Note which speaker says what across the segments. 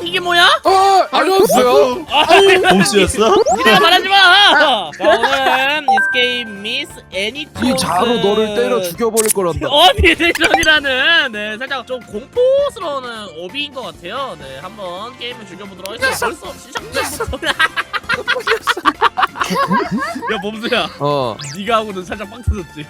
Speaker 1: 이게 뭐야?
Speaker 2: 안녕하세요.
Speaker 3: 봄씨였어?
Speaker 1: 니네가 말하지 마. 자, 오늘은 Escape Miss Anytross.
Speaker 2: 이 자로 너를 때려 죽여버릴 거란다.
Speaker 1: 어비데이션이라는 네 살짝 좀 공포스러운 어비인 것 같아요. 네 한번 게임을 즐겨보도록 하겠습니다. 벌써 시작부터. 야 범수야. 네가 하고는 살짝 빵 터졌지.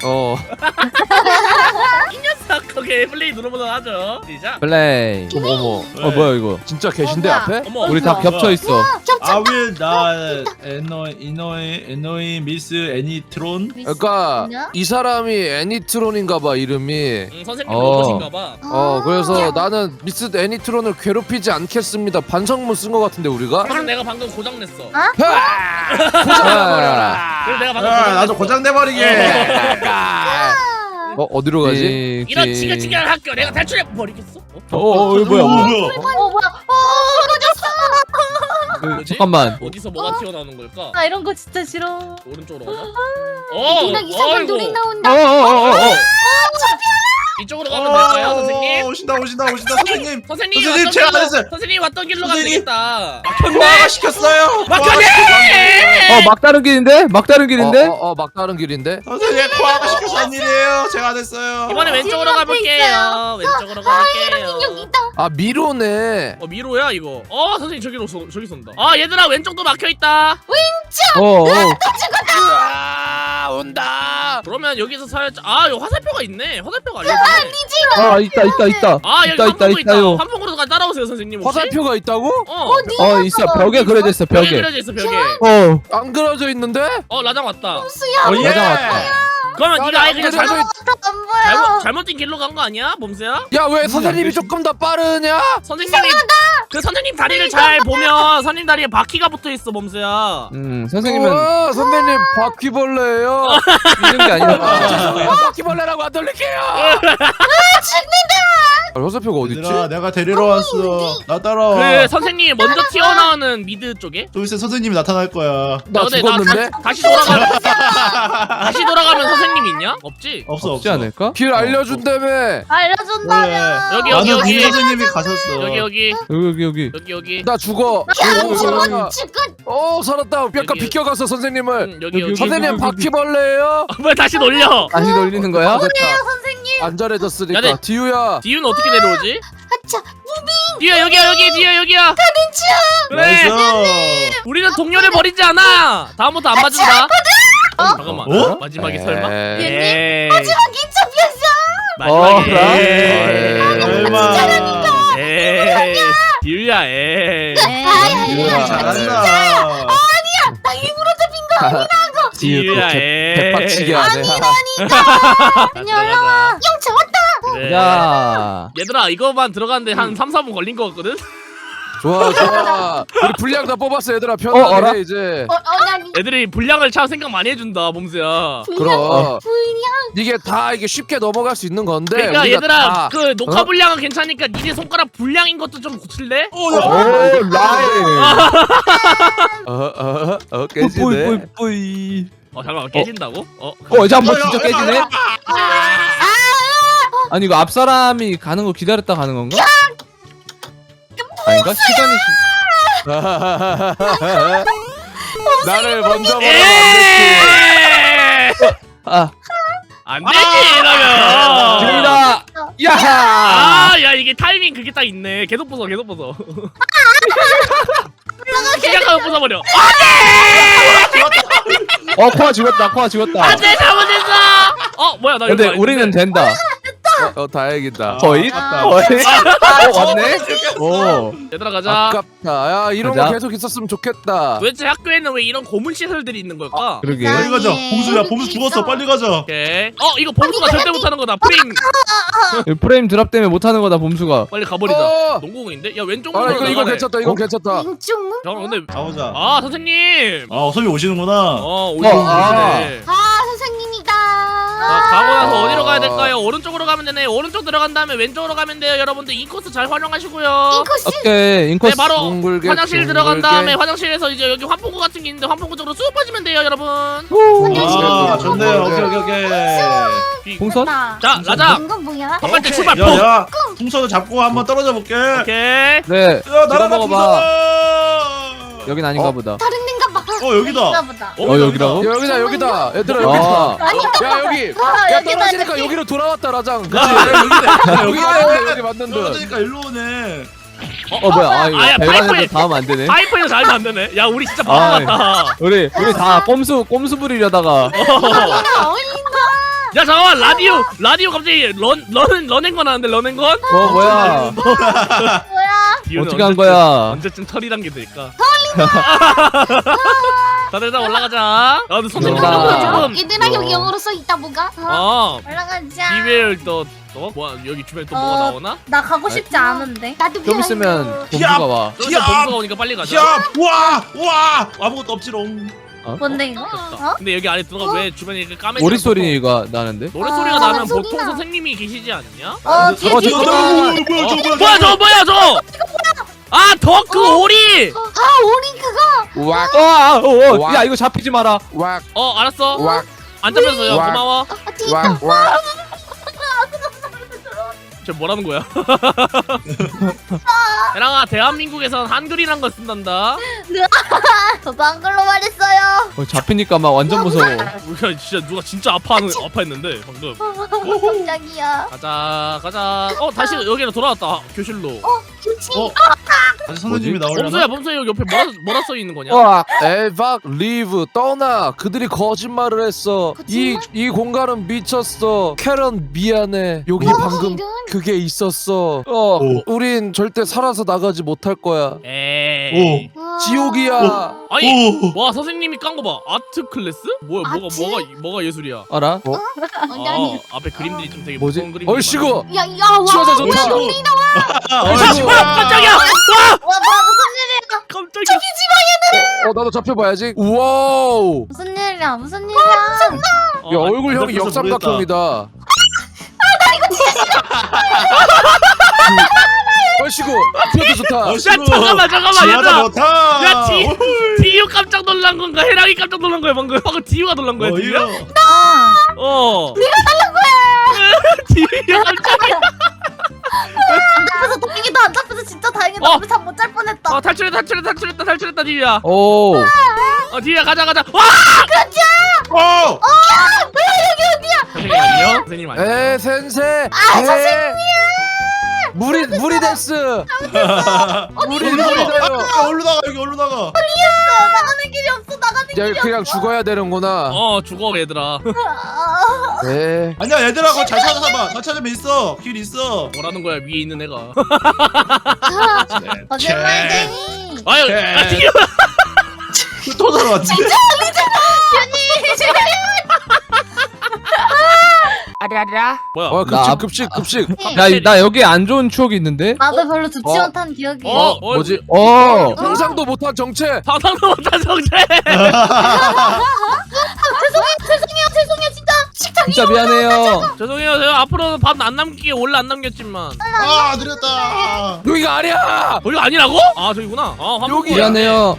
Speaker 1: 이 녀석 거기 플레이 눌러보도록 하죠. 시작.
Speaker 4: 플레이.
Speaker 2: 어머.
Speaker 4: 뭐야 이거?
Speaker 2: 진짜 계신데
Speaker 5: 뭐야?
Speaker 2: 앞에?
Speaker 1: 어머.
Speaker 4: 우리 다 겹쳐 있어.
Speaker 3: 아윌 나 에노이 미스 애니트론.
Speaker 2: 그러니까 이 사람이 애니트론인가봐 이름이.
Speaker 1: 선생님 로봇인가봐.
Speaker 2: 그래서 나는 미스 애니트론을 괴롭히지 않겠습니다. 반성문 쓴 거 같은데 우리가?
Speaker 1: 그래서 내가 방금 고장 냈어.
Speaker 2: 고장내버려라.
Speaker 1: 그래서 내가 방금
Speaker 3: 나도 고장 내버리게.
Speaker 2: 어디로 가지?
Speaker 1: 이런 지긋지긋한 학교 내가 탈출해 버리겠어?
Speaker 4: 뭐야
Speaker 3: 뭐야?
Speaker 5: 뭐야?
Speaker 1: 뭐지?
Speaker 4: 잠깐만.
Speaker 1: 어디서 뭐가 튀어나오는 걸까?
Speaker 5: 나 이런 거 진짜 싫어.
Speaker 1: 오른쪽으로 가자.
Speaker 5: 누나 이상한
Speaker 1: 어이구.
Speaker 5: 놀이 나온다.
Speaker 1: 이쪽으로 가면 될까요, 선생님?
Speaker 3: 오신다 선생님.
Speaker 1: 선생님
Speaker 3: 선생님,
Speaker 1: 왔던
Speaker 3: 제가
Speaker 1: 길로
Speaker 3: 알았어요.
Speaker 1: 선생님 왔던 길로 가면
Speaker 3: 선생님.
Speaker 1: 되겠다.
Speaker 3: 과가 시켰어요.
Speaker 1: 막혀네!
Speaker 4: 막다른 길인데? 막다른 길인데?
Speaker 2: 막다른 길인데?
Speaker 3: 선생님 과가 시켜서 한 일이에요. 제가 안 했어요.
Speaker 1: 이번에 왼쪽으로
Speaker 5: 앞에
Speaker 1: 가볼게요. 왼쪽으로 갈게요.
Speaker 5: 여기 있다.
Speaker 2: 미로네.
Speaker 1: 미로야 이거. 선생님 저기 쏜다. 얘들아 왼쪽도 막혀 있다.
Speaker 2: 온다.
Speaker 1: 그러면 여기서 살짝 여기 화살표가 있네. 화살표가 알려주네.
Speaker 4: 있다.
Speaker 1: 여기
Speaker 4: 있다,
Speaker 1: 한풍구 있다.
Speaker 4: 있다요.
Speaker 1: 한풍구로 따라오세요, 선생님. 혹시?
Speaker 2: 화살표가 있다고?
Speaker 4: 있어. 벽에 그려져 있어.
Speaker 1: 벽에
Speaker 4: 벽에.
Speaker 1: 그려져 있어, 벽에.
Speaker 2: 안 그려져 있는데?
Speaker 1: 라장 왔다.
Speaker 3: 예.
Speaker 4: 맞아 왔다.
Speaker 1: 그러면 네가 아예 그냥
Speaker 2: 안 그려져
Speaker 5: 안 보여.
Speaker 1: 잘못된 길로 간 거 아니야, 범수야?
Speaker 2: 야, 왜 선생님이 조금 더 빠르냐?
Speaker 1: 선생님이 그 선생님 다리를 잘 보면 선생님 다리에 바퀴가 붙어 있어, 범수야.
Speaker 4: 선생님은
Speaker 2: 선생님 바퀴벌레예요.
Speaker 4: 이런 게 아니라.
Speaker 2: 바퀴벌레라고 안 돌릴게요. 화살표가 어딨지?
Speaker 3: 얘들아, 내가 데리러 왔어. 나 따라와.
Speaker 1: 그 선생님이 먼저 튀어나오는 미드 쪽에.
Speaker 3: 좀 있으면 선생님이 나타날 거야.
Speaker 2: 나
Speaker 1: 근데
Speaker 2: 죽었는데?
Speaker 1: 다시 돌아가면 선생님이 있냐? 없지.
Speaker 4: 없지 않을까?
Speaker 2: 길 알려준다며.
Speaker 5: 알려준다면.
Speaker 1: 여기
Speaker 3: 나는
Speaker 1: 여기.
Speaker 3: 민 선생님이 가셨어.
Speaker 1: 여기.
Speaker 2: 나 죽어.
Speaker 5: 저건
Speaker 2: 살았다. 약간
Speaker 1: 여기.
Speaker 2: 비껴가서 선생님을.
Speaker 1: 여기.
Speaker 2: 선생님 바퀴벌레예요?
Speaker 1: 왜 다시 놀려?
Speaker 4: 다시 돌리는 거야?
Speaker 5: 선생님.
Speaker 2: 안전해졌으니까.
Speaker 1: 야, 네.
Speaker 2: 디유야.
Speaker 1: 디유는 어떻게 내려오지?
Speaker 5: 아차.
Speaker 1: 디유야 여기야. 디유야. 그래.
Speaker 3: 나이스.
Speaker 1: 우리는 동료를 버리지 않아. 다음부터 안 맞는다. 잠깐만. 마지막에 설마?
Speaker 2: 에이.
Speaker 5: 마지막 인터뷰였어.
Speaker 1: 마지막에.
Speaker 3: 설마.
Speaker 1: 디유야.
Speaker 2: 디유야.
Speaker 3: 잘한다.
Speaker 5: 나 일부러 잡힌 거 아니라고.
Speaker 1: 디유야.
Speaker 2: 개빡치게 하네.
Speaker 5: 올라와. 형 잡았다.
Speaker 1: 그래.
Speaker 4: 야.
Speaker 1: 얘들아 이거만 들어가는데 한 3-4분 걸린 거 같거든?
Speaker 2: 좋아. 우리 분량 다 뽑았어 얘들아.
Speaker 4: 알아?
Speaker 2: 편하게 이제.
Speaker 5: 난
Speaker 1: 애들이 분량을 참 생각 많이 해준다 범수야.
Speaker 2: 그럼.
Speaker 5: 분량.
Speaker 2: 이게 다 이게 쉽게 넘어갈 수 있는 건데.
Speaker 1: 그러니까
Speaker 2: 우리가
Speaker 1: 얘들아
Speaker 2: 다-
Speaker 1: 그 녹화 분량은 괜찮으니까 니네 손가락 분량인 것도 좀 고칠래?
Speaker 4: 오 라인.
Speaker 2: 깨지네.
Speaker 4: 뿌이.
Speaker 1: 잠깐만 깨진다고?
Speaker 4: 이제 한번 진짜 깨지네. 아니 이거 앞 사람이 가는 거 기다렸다 가는 건가? 아닌가? 시간이
Speaker 2: 나를 먼저 보면
Speaker 1: 안 되지 이러면
Speaker 4: 지금이다. 야하.
Speaker 1: 야 이게 타이밍 그게 딱 있네. 계속 부숴 시작하면 부숴버려.
Speaker 4: 코아 죽었다.
Speaker 1: 안돼 잘못했어. 뭐야 나
Speaker 4: 근데
Speaker 1: 이거
Speaker 4: 우리는 된다.
Speaker 2: 다행이다.
Speaker 4: 거의?
Speaker 5: 아.
Speaker 4: 왔네? 오.
Speaker 1: 얘들아 가자.
Speaker 2: 아깝다. 야 이런
Speaker 4: 가자.
Speaker 2: 거 계속 있었으면 좋겠다.
Speaker 1: 도대체 학교에는 왜 이런 고문 시설들이 있는 걸까?
Speaker 4: 그러게.
Speaker 5: 나-
Speaker 3: 빨리 가자. 범수야, 범수 죽었어. 빨리 가자.
Speaker 1: 오케이. 이거 범수가 절대 못하는 거다. 프레임
Speaker 4: 프레임 드랍 때문에 못하는 거다 봄수가.
Speaker 1: 빨리 가버리자. 농구공인데? 야 왼쪽으로
Speaker 2: 이거 괜찮다. 이거 괜찮다.
Speaker 5: 왼쪽.
Speaker 1: 잠깐 근데
Speaker 3: 가보자.
Speaker 1: 선생님.
Speaker 3: 선생님 오시는구나.
Speaker 1: 오시네.
Speaker 5: 선생님이다.
Speaker 1: 자, 가고 나서 어디로 가야 될까요? 오른쪽으로 가면 되네. 오른쪽 들어간 다음에 왼쪽으로 가면 돼요. 여러분들 인코스 잘 활용하시고요.
Speaker 5: 인코스.
Speaker 4: 오케이 인코스.
Speaker 1: 네, 바로
Speaker 2: 둥글게,
Speaker 1: 화장실 들어간
Speaker 2: 둥글게.
Speaker 1: 다음에 화장실에서 이제 여기 환풍구 같은 게 있는데 환풍구 쪽으로 쑥 빠지면 돼요, 여러분.
Speaker 3: 아 좋네요. 오케이.
Speaker 4: 풍선?
Speaker 1: 자, 라자.
Speaker 5: 이건 뭐야?
Speaker 1: 한발때 출발. punk.
Speaker 3: 야야 풍선을 잡고 한번 떨어져 볼게.
Speaker 1: 오케이.
Speaker 4: 네.
Speaker 3: 야
Speaker 4: 찍어
Speaker 3: 날아가
Speaker 4: 먹어봐.
Speaker 3: 풍선.
Speaker 4: 여긴 아닌가 보다.
Speaker 5: 다른 데인가 봐.
Speaker 3: 여기다.
Speaker 5: 여긴가 보다.
Speaker 4: 여기라고?
Speaker 2: 여기다 얘들아
Speaker 4: 아.
Speaker 2: 여기다.
Speaker 5: 아닌가
Speaker 2: 야 여기.
Speaker 5: 아,
Speaker 2: 야
Speaker 5: 여기다,
Speaker 2: 떨어지니까
Speaker 5: 여기.
Speaker 2: 여기로 돌아왔다 라장. 그치?
Speaker 3: 여기
Speaker 2: 여기 맞는 듯.
Speaker 3: 떨어지니까 일로 오네.
Speaker 4: 뭐야? 아 이거
Speaker 1: 아야,
Speaker 4: 배관에서
Speaker 1: 파이프에-
Speaker 4: 닿으면 안 되네.
Speaker 1: 파이프에서 잘 만드네. 야, 우리 진짜 바보
Speaker 4: 아,
Speaker 1: 같다.
Speaker 4: 우리 다 꼼수 부리려다가.
Speaker 5: 어울린다. 어울린다.
Speaker 1: 야, 잠깐만. 라디오 갑자기 런앤건 하는데 런앤건?
Speaker 4: 뭐야?
Speaker 5: 뭐야?
Speaker 4: 어떻게 한 거야?
Speaker 1: 언제쯤 털이란 게 될까? 다들 일단 올라가자. 야, 근데 선생님
Speaker 4: 올라가.
Speaker 1: 지금.
Speaker 5: 얘들아 여기 영어로 써 있다 뭐가? 올라가자.
Speaker 1: 이웰 뭐야, 여기 주변에 또 뭐가 나오나?
Speaker 5: 나 가고 싶지 않은데. 나도
Speaker 4: 좀 있으면 범수가 와.
Speaker 1: 저 일단 범수가 오니까 빨리 가자.
Speaker 3: 야, 와, 아무것도 없지롱.
Speaker 5: 뭔데 이거?
Speaker 1: 됐다. 근데 여기 안에 들어가 왜 주변이 이렇게 까매지?
Speaker 4: 오리 소리가 나는데?
Speaker 1: 노래 소리가
Speaker 5: 아,
Speaker 1: 나면
Speaker 5: 소리
Speaker 1: 보통
Speaker 5: 나.
Speaker 1: 선생님이 계시지 않냐?
Speaker 5: 뒤에
Speaker 4: 어,
Speaker 5: 뒤에.
Speaker 4: 저거
Speaker 3: 뭐야, 저거
Speaker 1: 뭐야 저! 아, 더크 오리!
Speaker 5: 아 오리 그거.
Speaker 2: 왁
Speaker 4: 야 이거 잡히지 마라.
Speaker 2: 왁
Speaker 1: 알았어.
Speaker 2: 왁
Speaker 1: 안 잡혔어요.
Speaker 2: 와.
Speaker 1: 고마워.
Speaker 5: 뒤에.
Speaker 2: 왁 왁.
Speaker 1: 저 뭐라는 거야? 에랑아, 대한민국에선 한글이란 걸 쓴단다.
Speaker 5: 저도 한글로 말했어요.
Speaker 4: 잡히니까 막 완전 무서워.
Speaker 1: 우리가 진짜 누가 진짜 아파했는데 방금.
Speaker 5: 깜짝이야.
Speaker 1: 가자. 다시 여기로 돌아왔다. 교실로.
Speaker 5: 좋지.
Speaker 3: 다시 선생님이 나오려나?
Speaker 1: 범수야 여기 옆에 뭐라 써 있는 거냐?
Speaker 2: 에박 리브 떠나. 그들이 거짓말을 했어. 이 공간은 미쳤어. 캐런 미안해. 여기 방금
Speaker 5: 이런.
Speaker 2: 그게 있었어. 우린 절대 살아서 나가지 못할 거야.
Speaker 1: 에이.
Speaker 2: 지옥이야.
Speaker 1: 아니, 와, 선생님이 깐 거 봐. 아트 클래스? 뭐야,
Speaker 5: 아트?
Speaker 1: 뭐가 예술이야?
Speaker 4: 알아?
Speaker 5: 아니.
Speaker 1: 앞에 그림들이 좀 되게
Speaker 2: 뭐지?
Speaker 1: 무서운 그림.
Speaker 2: 얼씨구.
Speaker 5: 야야 와.
Speaker 2: 치워져 좋다.
Speaker 1: 얼씨구. 깜짝이야.
Speaker 5: 와 무슨 일이야?
Speaker 1: 깜짝이야.
Speaker 2: 나도 잡혀봐야지. 우와우.
Speaker 5: 무슨 일이야? 무슨 일이야?
Speaker 2: 야 얼굴형이
Speaker 3: 그래서
Speaker 2: 역삼각형이다. 얼씨구. 피어도 좋다.
Speaker 1: 잠깐만,
Speaker 3: 지하자
Speaker 1: 얘들아.
Speaker 3: 못하.
Speaker 1: 야, 디유 깜짝 놀란 건가? 해랑이 깜짝 놀란 거야 방금. 디유가 놀란 거야, 디유?
Speaker 3: 이거.
Speaker 1: 내가 놀란 거야. 디유가 깜짝이야.
Speaker 5: 안 잡혀서 다행이다. 안 잡혀서 진짜 다행이다. 우리 잠 못 잘 뻔했다.
Speaker 1: 탈출했다, 디유야.
Speaker 4: 오.
Speaker 1: 디유야, 가자. 와! 선생님 안녕. 선생님 안녕.
Speaker 2: 에 센세.
Speaker 5: 선생님.
Speaker 2: 무리 데스. 무리
Speaker 3: 얼른
Speaker 2: 무리다요.
Speaker 3: 나가. 얼른 나가.
Speaker 5: 나가는 길이 없어. 나가는
Speaker 2: 야
Speaker 5: 길이
Speaker 2: 그냥 죽어야 되는구나.
Speaker 1: 죽어 얘들아.
Speaker 5: 없어.
Speaker 2: 네.
Speaker 3: 아니야, 얘들아, 그거 잘 찾아봐. 잘 찾으면 있어. 길 있어.
Speaker 1: 뭐라는 거야, 위에 있는 애가.
Speaker 5: 거짓말쟁이.
Speaker 1: 아유, 디유.
Speaker 3: 또 들어왔지.
Speaker 1: 뭐야?
Speaker 2: 급식.
Speaker 4: 나 여기 안 좋은 추억이 있는데?
Speaker 5: 나도 별로 좋지 못한 기억이.
Speaker 2: 뭐지? 상상도 못한 정체.
Speaker 1: 상상도 못한 정체.
Speaker 5: 죄송해요 진짜. 식탁이.
Speaker 4: 진짜 미안해요.
Speaker 1: 죄송해요. 제가 앞으로는 밥 안 남기게 원래 안 남겼지만.
Speaker 3: 아, 느렸다.
Speaker 2: 여기가 아니야.
Speaker 1: 여기 아니라고? 저기구나.
Speaker 2: 여기.
Speaker 4: 미안해요.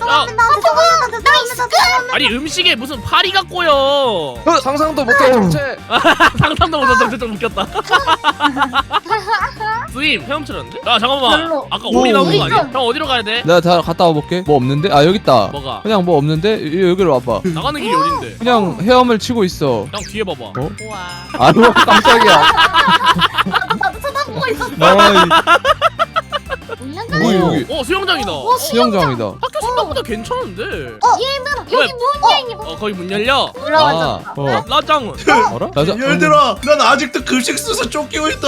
Speaker 1: 아니, 음식에 무슨 파리가 꼬여.
Speaker 2: 상상도 못한 정체.
Speaker 1: 상상도 못한 정체 좀 웃겼다. 스님, 헤엄치는데? 야, 잠깐만.
Speaker 5: 별로.
Speaker 1: 아까 오리 나온 거
Speaker 5: 오리
Speaker 1: 아니야?
Speaker 5: 좀.
Speaker 1: 형 어디로 가야 돼?
Speaker 4: 내가 다 갔다 와볼게. 뭐 없는데? 여기 있다.
Speaker 1: 뭐가?
Speaker 4: 그냥 뭐 없는데? 여기로 와봐.
Speaker 1: 나가는 길이 어딘데?
Speaker 4: 그냥 헤엄을 치고 있어.
Speaker 1: 형 뒤에 봐봐. 우와.
Speaker 4: 아유 깜짝이야.
Speaker 5: 나도 쳐다보고 있었어.
Speaker 4: 뭐야 여기?
Speaker 1: 수영장이다.
Speaker 4: 수영장이다.
Speaker 1: 학교 생각보다 괜찮은데.
Speaker 5: 얘들아
Speaker 1: 왜?
Speaker 5: 여기 문이야.
Speaker 1: 거기 문 열려.
Speaker 5: 올라가자.
Speaker 1: 라짱은.
Speaker 4: 알아? 맞아.
Speaker 3: 얘들아, 난 아직도 급식 써서 쫓기고 있다.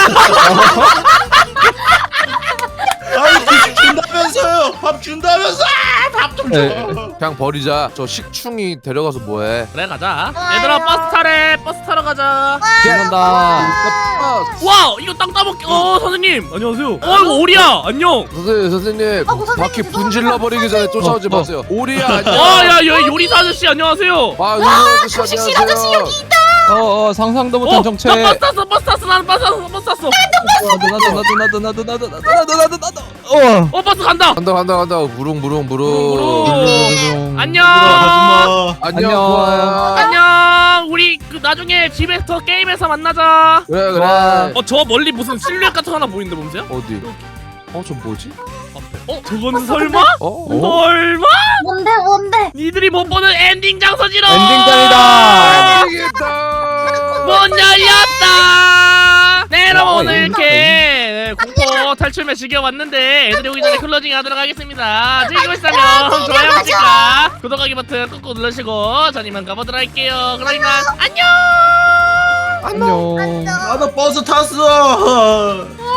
Speaker 3: 아니, 급식 준다면서요. 밥 준다면서. 밥 좀 줘.
Speaker 2: 그냥 버리자. 저 식충이 데려가서 뭐해?
Speaker 1: 그래, 가자. 얘들아, 버스 타래. 버스 타러 가자.
Speaker 4: 간다.
Speaker 1: 와, 이거 땅 따먹기. 선생님. 안녕하세요. 이거 오리야. 안녕.
Speaker 2: 선생님
Speaker 5: 선생님,
Speaker 2: 바퀴
Speaker 5: 죄송해요.
Speaker 2: 분질러 버리기 전에 쫓아오지 마세요. 오리야 안녕.
Speaker 1: 야, 요리사 아저씨 안녕하세요.
Speaker 2: 요리사 아저씨
Speaker 5: 급식실 아저씨 여기 있다.
Speaker 4: 상상도 못한 정체.
Speaker 1: 버스 탔어 나는 버스 탔어.
Speaker 4: 나도.
Speaker 1: 버스 간다.
Speaker 2: 간다 무릉
Speaker 1: 안녕.
Speaker 3: 아줌마.
Speaker 2: 안녕
Speaker 1: 안녕. 우리 그 나중에 집에서 게임에서 만나자.
Speaker 2: 그래
Speaker 1: 저 멀리 무슨 실루엣 같은 거 하나 보이는데 봄새야?
Speaker 2: 어디 저 뭐지
Speaker 1: 저건 설마?
Speaker 2: 어
Speaker 1: 설마?
Speaker 5: 뭔데?
Speaker 1: 니들이 못 보는 엔딩 장소지롱.
Speaker 4: 엔딩장이다.
Speaker 2: 알겠다
Speaker 1: 문 열렸다. 네 여러분 오늘
Speaker 4: 엔딩
Speaker 1: 이렇게 공포 탈출매 즐겨봤는데 애들이 오기 전에 클로징 하도록 하겠습니다. 즐기고 있다면 좋아요 버튼과 구독하기 버튼 꾹꾹 누르시고 전 이만 가보도록 할게요. 그럼 이만 안녕.
Speaker 4: 안녕.
Speaker 3: 나도 버스 탔어.